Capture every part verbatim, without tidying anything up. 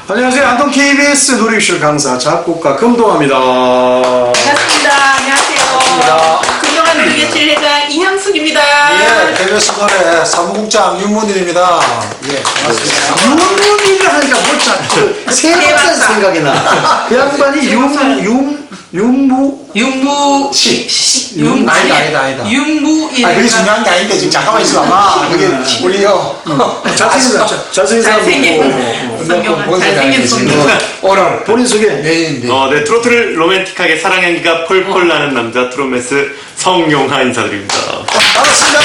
안녕하세요. 안동 케이비에스 노래교실 강사 작곡가 금동아입니다. 반갑습니다. 안녕하세요. 금동아 노래교실 회장 이향숙입니다. 예, 케이비에스 노래 사무국장 윤문일입니다. 예, 반갑습니다. 윤문일을 하니까 뭐자 세박산 생각이 나. 그 양반이 윤, 윤, 윤무 윤무 씨. 씨. 윤, 아니다, 아니다, 아니다. 윤무일. 아, 그게 중요한 게 아닌데, 지금 잠깐만 있어봐. 그게 우리요. 잘생긴 사람, 잘생긴 사람 잘생긴 성경아, 잘생긴 성경아. 오늘 본인 소개. 메인인데. 어, 네, 트로트를 로맨틱하게 사랑 향기가 펄펄 나는 남자 트로메스 성용하 인사드립니다. 반갑습니다.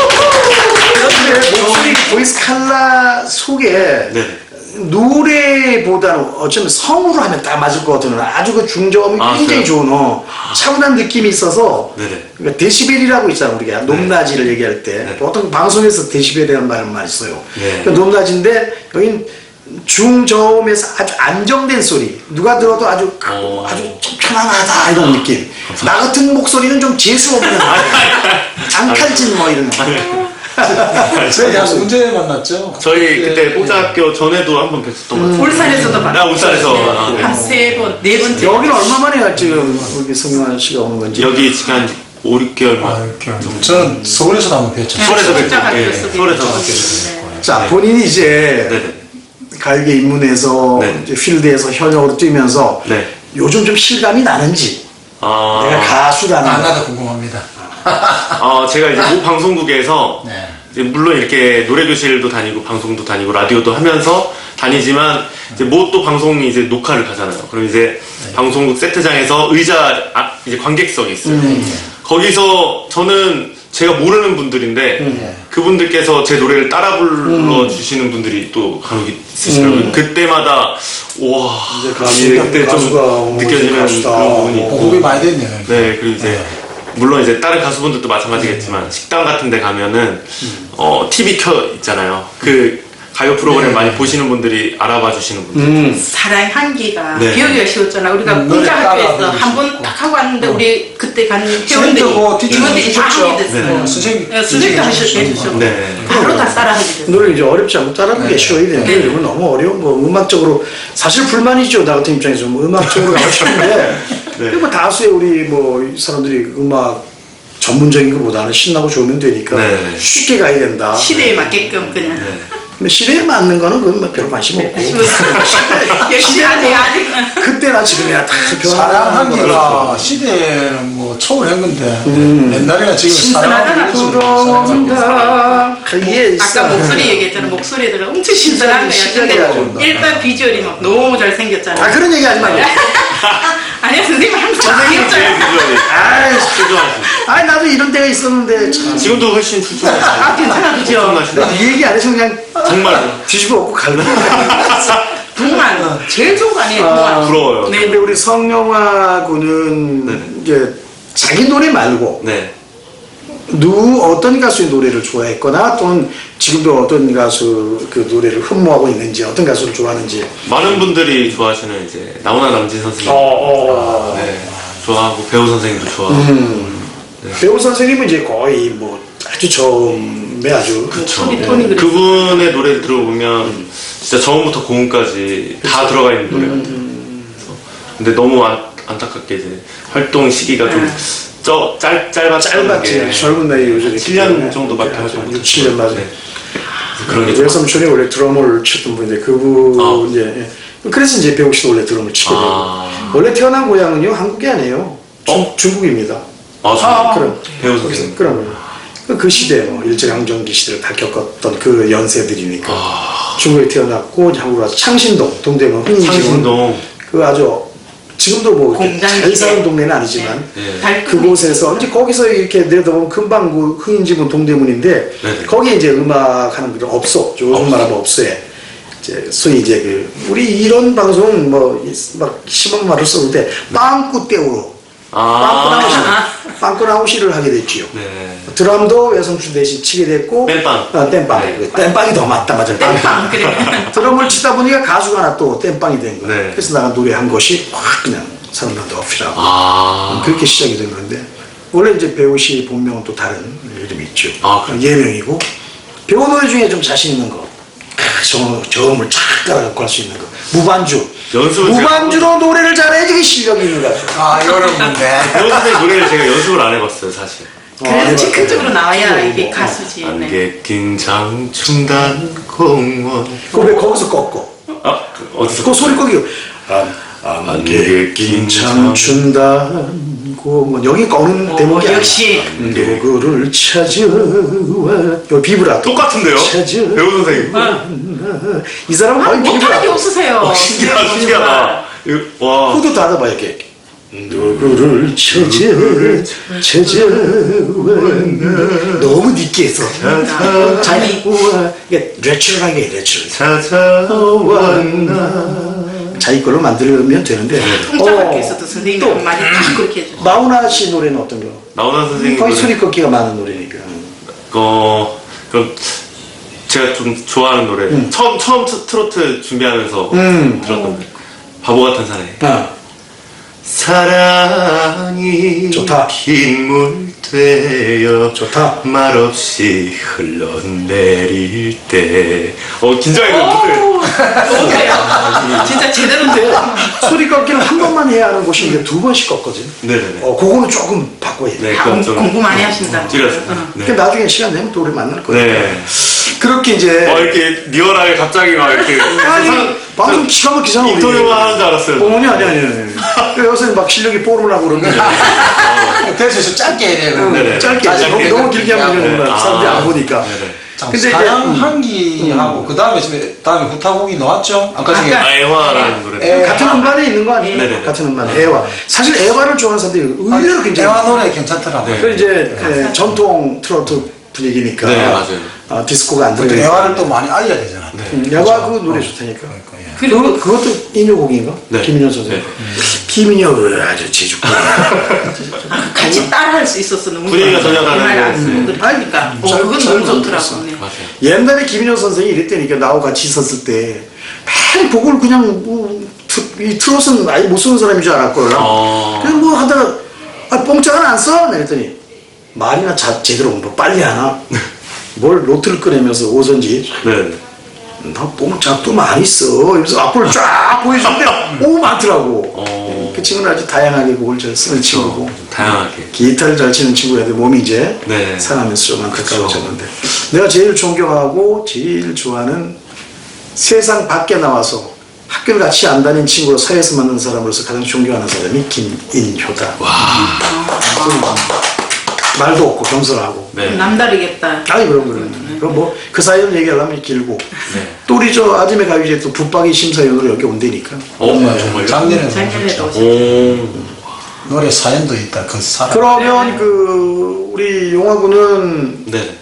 그런데 목소리 보이스 칼라 속에 네. 노래보다는 어쩌면 성으로 하면 딱 맞을 것 같은 아주 그 중저음이 아, 굉장히 그래요? 좋은 어, 차분한 느낌이 있어서 네네. 그러니까 데시벨이라고 있잖아 우리가 높낮이를 얘기할 때 네. 보통 방송에서 데시벨이라는 말을 많이 써요. 네. 그러니까 높낮인데 여긴 중저음에서 아주 안정된 소리 누가 들어도 아주 어. 아주 좀 편안하다 이런 느낌. 나 같은 목소리는 좀 재수 없는 장칼진 뭐 이런 저희 한 언제 만났죠? 저희 예, 그때 예. 뽀자학교 전에도 한 번 뵀었던 것 같아요. 울산에서도 나 봤어요. 울산에서. 아, 네. 한세 번, 네 번째. 여기는 얼마 만에 지금 우리 성용환 씨가 오는 건지. 여기 지금 한 오, 육 개월 아, 만. 이렇게. 저는 서울에서도 한번 뵀죠. 서울에서 뵀죠. 뵙죠. 예, 뵙죠. 서울에서 뵙죠. 뵀죠. 자, 본인이 이제 네네. 가요계 입문해서 네. 이제 필드에서 현역으로 뛰면서 네. 요즘 좀 실감이 나는지 아, 내가 가수라는 안 거. 나도 궁금합니다. 어, 제가 이제 모 방송국에서 네. 이제 물론 이렇게 노래교실도 다니고 방송도 다니고 라디오도 하면서 다니지만 이제 뭐 또 방송이 이제 녹화를 가잖아요. 그럼 이제 방송국 세트장에서 의자 아, 이제 관객석이 있어요. 거기서 저는 제가 모르는 분들인데 그분들께서 제 노래를 따라 불러 주시는 분들이 또 간혹 있으시더라고요. 그때마다 와 이제 가수, 이제 그때 가수가 좀 이제 느껴지는 가수다. 그런 부분이 있고 공급이 많이 됐네요. 네, 그리고 이제 물론 이제 다른 가수분들도 마찬가지겠지만 식당 같은 데 가면은 어 티비 켜 있잖아요. 그 가요 프로그램 네. 많이 보시는 분들이 알아봐 주시는 분들. 음. 사랑 향기가 네. 기억이 쉬웠잖아. 우리가 음, 노래 공자학교에서 따라 한 번 부르시고. 딱 하고 왔는데 우리 그때 간 회원들이 선생님도 티칭 임원들이 다 해주셨죠? 하게 됐어. 네. 선생님. 네, 선생님도 하셨- 해주셨고 네. 바로 다 따라 하게 됐어. 노래 이제 어렵지 않고 따라하기 네. 쉬워야 되는데 네. 이건 너무 어려운 거 음악적으로 사실 불만이죠. 나 같은 입장에서 뭐 음악적으로 가고 싶은데 네. 그리고 다수의 우리 뭐 사람들이 음악 전문적인 것보다는 신나고 좋으면 되니까 네. 쉽게 가야 된다. 시대에 맞게끔 그냥. 근데 시대에 맞는 거는 그건 뭐 별 관심 없고 열심히 하세요. 아직. 그때나 지금이나 다 사랑하기가 시대는 뭐 초월한 건데 옛날이나 지금 신선하잖아. 들어온다. 그게 아까 목소리 얘기했잖아. 목소리들은 엄청 신선한 거야. 신기하게 근데 일단 비주얼이 막 너무 잘생겼잖아. 아 그런 얘기 하지 말고. 아니야 선생님 항상 제일 귀엽잖아. 비주얼이 아이, 출중하십니다. 아 나도 이런 때가 있었는데 참. 지금도 훨씬 출중하시죠. 아 괜찮아 그죠? 엄청나시다. 나도 이 얘기 안 해서 그냥 정말 뒤집어 엎고 갈래. 동안 제일 좋은 거 아니에요 아, 동안. 부러워요. 네. 근데 우리 성영아 군은 네. 이제 자기 노래 말고 네. 누 어떤 가수의 노래를 좋아했거나 또는 지금도 어떤 가수 그 노래를 흠모하고 있는지 어떤 가수를 좋아하는지. 많은 분들이 좋아하시는 이제 나훈아 남진 선생님. 어. 네. 좋아하고 배우 선생님도 좋아하고. 음. 배우 선생님은 이제 거의 뭐 아주 처음에 아주 톤이 톤이 그래. 그분의 노래를 들어보면 진짜 저음부터 고음까지 다 들어가 있는 노래 같아요. 그래서 근데 너무 안, 안타깝게 이제 활동 시기가 좀 쪄, 짧, 짧았다는 짧았지. 게 젊은 나이에 요즘에 칠 년 정도밖에 활동 육, 못했어요. 칠 년 맞아요. 네. 그래서 그런 게 좀 외삼촌이 원래 드럼을 쳤던 분인데 그분 아. 이제 예. 그래서 이제 배우 씨도 원래 드럼을 치게 되고 아. 원래 태어난 고향은요 한국이 아니에요. 중, 어? 중국입니다. 아, 아. 그럼 배우 거기서 선생님. 그러면 그, 그 시대 뭐 일제강점기 시대를 다 겪었던 그 연세들이니까 아. 중국에 태어났고 이제 한국 와서 창신동 동대문 흥인지문 창신동. 그 아주 지금도 뭐 이렇게 공장 잘 사는 시대. 동네는 아니지만 네. 달콤히 그곳에서 이제 거기서 이렇게 내려다보면 금방 그 흥인지문 동대문인데 네네. 거기에 이제 음악하는 분들 없어. 요즘 말하면 없어요. 이제 소위 이제 그 우리 이런 방송 뭐막 심한 말을 썼는데 빵꾸 떼우로 빵꾸 나우시 아. 빵꾸 나우시를 하게 됐지요. 네. 드럼도 외성춘 대신 치게 됐고 땜빵. 어, 땜빵. 네. 땜빵이 더 맞다 맞아. 땜빵 그래. 드럼을 치다 보니까 가수가 하나 또 땜빵이 된 거야. 네. 그래서 내가 노래한 것이 확 그냥 사람들한테 어필하고 아. 그렇게 시작이 된 건데 원래 이제 배우 씨 본명은 또 다른 이름이 있죠. 아, 그래요? 예명이고 배우 노래 중에 좀 자신 있는 거 저, 저음을 착 따라갖고 할 수 있는 거. 무반주. 연습을 무반주로 노래를 잘해야지 그 실력이 있는 가수. 아, 이거는 뭔데? 배우 선생님 노래를 제가 연습을 안 해봤어요 사실. 그래서 즉흥적으로 나와야 이게 가수지. 네. 안개 낀 장충단 공원. 그왜 거기서 꺾고? 아 그, 어디서? 그 소리 꺾이고. 안, 안개 낀 장춘단 공원. 여기 꺾는 어, 대목이 아니야. 역시. 누구를 찾아와. 요 비브라토. 똑같은데요? 찾아. 배우 선생님. 이 사람은 아, 거의 못하는 게 비브라토. 없으세요. 어, 신기하다 신기하다. 이거, 와. 후도 닫아봐 이렇게. 누구를 찾아 찾아와. 너무 느끼해서. 자기 우와. 이게 내추럴하게 해, 내추럴. 찾아왔나. 자기 걸로 만들면 되는데. 통장학교에서도 선생님이 또 한마디 딱 그렇게 해줘. 마우나 씨 노래는 어떤 거? 나훈아 선생님 거의 노래. 소리 꺾기가 많은 노래니까. 어, 그럼 제가 좀 좋아하는 노래. 처음 처음 트- 트로트 준비하면서 음. 들었던 노래. 바보 같은 사나이. 아, 사랑이 좋다. 빗물 되어 좋다. 말없이 흘러내릴 때. 어 긴장해요. 오, 너무 돼요. 진짜 제대로 돼요. 소리 꺾기는 한 번만 해야 하는 곳인데 두 번씩 꺾거든. 네네네. 어, 그거는 조금 바꿔야 돼. 네, 아, 그건 좀 공부 많이 하신다. 줄였어요. 응. 네. 그러니까 나중에 시간 되면 또 우리 만날 거야. 네. 그렇게 이제 어 이렇게 리얼하게 갑자기 막 이렇게 아니 방송 기가 막히잖아. 우리. 인터뷰만 하는 줄 알았어요. 어머니 아니 아니 아니. 그러니까 요새 막 실력이 뽀르라고 그러는데 그래서 좀 짧게 해야 되는 네네. 짧게 짧게 너무, 너무 길게 하면 하고. 이러는 거야. 사람들이 안 보니까. 네네. 근데 이제 사랑 음. 한기하고 그 다음에 지금 다음에 구타곡이 나왔죠? 아까 중에 아까- 애화라는 노래. 애- 같은 음반에 있는 거 아니에요? 네네네. 같은 음반 애화. 사실 애화를 좋아하는 사람들이 의외로 굉장히 대화 노래 괜찮더라고. 네. 그 이제 예, 전통 트로트 분위기니까 네, 맞아요. 아, 디스코가 안 근데 들어가니까 대화를 또 많이 알려야 되잖아. 음, 애화 그 노래 좋다니까. 그러니까, 예. 그리고 그것도 인효곡인가? 네. 김인효 선생님. 네. 김인효를 아주 제주꾼. 같이 따라할 수 있어서 너무 분위기가 좋아요. 전혀 다른 정말 거 아는 같아요. 분들이 하니까 어, 잘- 그건 잘 너무 만들었어. 좋더라고. 네. 맞아요. 옛날에 김인효 선생이 이랬다니까 나하고 같이 있었을 때 맨 곡을 그냥 뭐, 트, 이 트롯은 아예 못 쓰는 사람인 줄 알았거든. 어. 그래서 뭐 하다가 아, 뽕짝은 안 써? 그랬더니 말이나 자, 제대로 뭐 빨리 하나? 뭘 노트를 꺼내면서 오선지 네. 나 뽕짝도 많이 써. 이러면서 앞을 쫙 보여주는데 오 많더라고. 어. 그 친구는 아주 다양하게 곡을 잘 쓰는 친구고 좀 다양하게. 기타를 잘 치는 친구인데 몸이 이제 네. 상하면서 좀 그쵸. 안타까워졌는데 내가 제일 존경하고 제일 좋아하는 세상 밖에 나와서 학교를 같이 안 다닌 친구로 사회에서 만난 사람으로서 가장 존경하는 사람이 김인효다. 와. 말도 없고 겸손하고. 네. 남다르겠다. 아니 그럼 그럼. 그럼 뭐 그 사연 얘기하려면 길고. 네. 또 우리 저 아침에 가요제 또 붙박이 심사위원으로 여기 온다니까. 어 정말요? 작년에 작년에도 나왔죠. 오. 노래 사연도 있다. 그 사람. 그러면 그 우리 용화군은 네.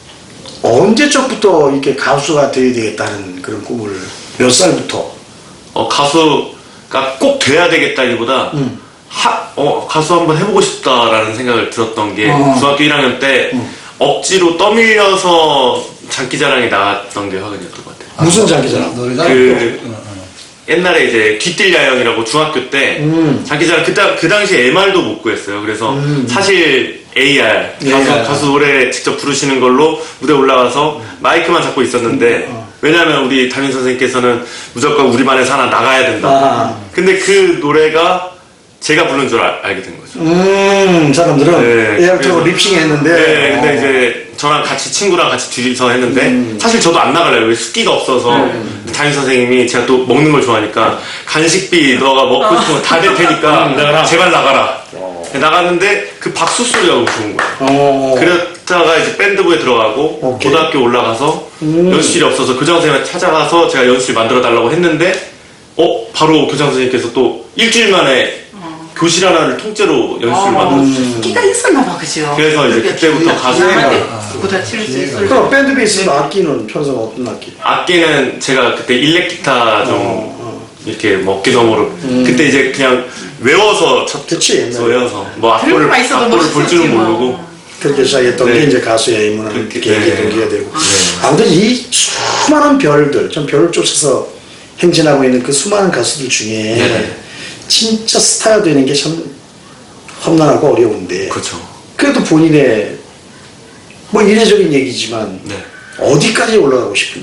언제적부터 이렇게 가수가 되어야 되겠다는 그런 꿈을 몇 살부터? 어 가수가 꼭 돼야 되겠다기보다 음. 하, 어 가수 한번 해보고 싶다라는 생각을 들었던 게 어. 중학교 일 학년 때 억지로 떠밀려서 장기자랑에 나갔던 게 화근이었던 것 같아요. 무슨 장기자랑? 노래장. 그- 어, 어. 옛날에 이제 뒤뜰야영이라고 중학교 때 음. 장기자랑 그때 그 당시에 엠알도 못 구했어요. 그래서 음. 사실 에이알 가수, 에이알. 가수 노래 직접 부르시는 걸로 무대 올라가서 마이크만 잡고 있었는데 어. 왜냐하면 우리 담임 선생님께서는 무조건 우리 반에서 하나 나가야 된다. 아. 근데 그 노래가 제가 부른 줄 알, 알게 된 거죠. 음, 사람들은 네, 에어트로 그래서- 립싱 했는데. 네, 근데 어. 이제 저랑 같이 친구랑 같이 둘이서 했는데 음. 사실 저도 안 나갈래요. 왜 숫기가 없어서 담임 선생님이 제가 또 먹는 걸 좋아하니까 간식비 너가 먹고 싶은 거 다 될 테니까 제발 나가라. 나갔는데 그 박수 소리가 너무 좋은 거야. 어. 그랬다가 이제 밴드부에 들어가고 오케이. 고등학교 올라가서 음. 연습실이 없어서 교장 선생님을 찾아가서 제가 연습실 만들어 달라고 했는데 어 바로 교장 선생님께서 또 일주일 만에 교실 하나를 통째로 연습을 만들어 주셨어요. 끼가 있었나 봐, 그죠? 그래서 이제 그때부터 가수 남한테 아, 보다 칠수 있을 그럼 밴드 베이스 악기는 편성 어떤 악기? 악기는 제가 그때 일렉 기타 좀 어, 이렇게 뭐 어깨너머로 그때 이제 그냥 외워서 쳤 그치, 옛날에. 외워서 뭐 악보를 들고만 있어도 악보를 볼 줄은 멋있었지, 뭐. 모르고 그렇게 시작했던 네. 게 이제 가수의 입문을 그렇게, 계기 네. 동기가 되고. 아무튼 이 수많은 별들, 전 별을 쫓아서 행진하고 있는 그 수많은 가수들 중에 네. 진짜 스타가 되는 게 참 험난하고 어려운데. 그렇죠. 그래도 본인의 뭐 이례적인 얘기지만 네. 어디까지 올라가고 싶은데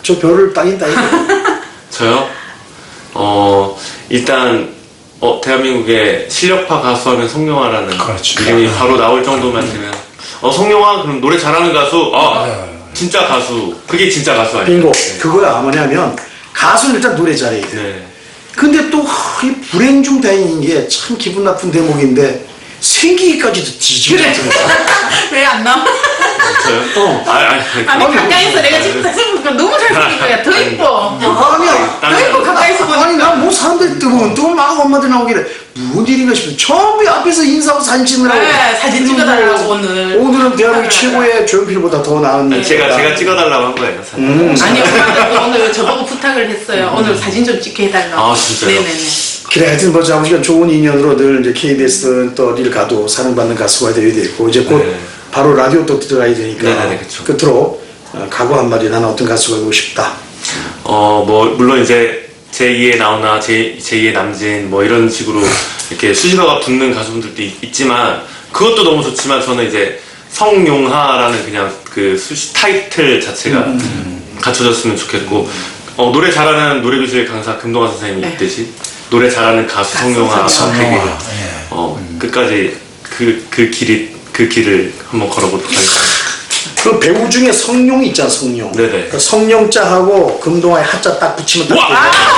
저 별을 따긴 따긴. 저요? 어, 일단, 어, 대한민국의 실력파 가수 하면 성룡아라는 그렇죠. 이름이 바로 나올 정도만 되면, 어, 성룡아, 그럼 노래 잘하는 가수, 아, 진짜 가수. 그게 진짜 가수 아니에요? 빙고. 그거야 뭐냐면 가수는 일단 노래 잘해야 돼. 네. 근데 또 이 불행 중 다행인 게 참 기분 나쁜 대목인데 생기기까지도 뒤지게 그래. 같은 왜 안 나와? 저요? 어. 아, 아니, 아니, 아니 가까이서 내가 지금 생각보니까 너무 잘생긴 거야. 더 이뻐. 아니야. 더 이뻐 가까이서 보니까. 아니 난 뭐 사람들이 뜨면 또 막 엄마들 나오길래 무슨 일인가 싶어. 전부 앞에서 인사하고 사진 찍느라고. 네, 사진 찍어달라고 오늘. 오늘은 대한민국 최고의 조용필보다 더 나은. 아니, 제가, 제가 찍어달라고 한 거예요, 사실. 음. 아니 엄마들도 오늘 저보고 부탁을 했어요. 오늘 사진 좀 찍게 해달라고. 아, 진짜요? 네네네. 그래 하여튼 뭐 아버지가 좋은 인연으로 늘 이제 케이비에스 또 어딜 가도 사랑받는 가수가 되어야 되고 이제 곧 네. 바로 라디오 또 들어가야 되니까 네네네, 그쵸. 끝으로 어, 각오 한마디 나는 어떤 가수가 되고 싶다. 어, 뭐, 물론 이제 제이의 나훈아, 제, 제이의 남진, 뭐 이런 식으로 이렇게 수식어가 붙는 가수분들도 있, 있지만, 그것도 너무 좋지만 저는 이제 성용하라는 그냥 그 수식 타이틀 자체가 음. 갖춰졌으면 좋겠고, 어, 노래 잘하는 노래교실 강사 금동환 선생님이 네. 있듯이, 노래 잘하는 가수 성용하, 성용하. 되게, 어, 끝까지 그, 그 길이, 그 길을 한번 걸어보도록 하겠습니다. 그 배우 중에 성룡이 있잖아 성룡. 네네. 그 성룡자하고 금동아의 하자 딱 붙이면 딱 돼.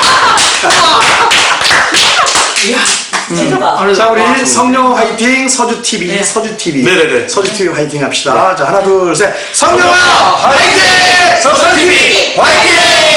이야. 진짜가. 자 우리 성룡 화이팅 서주 티비 네. 서주 티비 네네네. 서주 티비 화이팅 합시다. 자 하나 둘 셋 성룡아 화이팅 서주 티비 화이팅.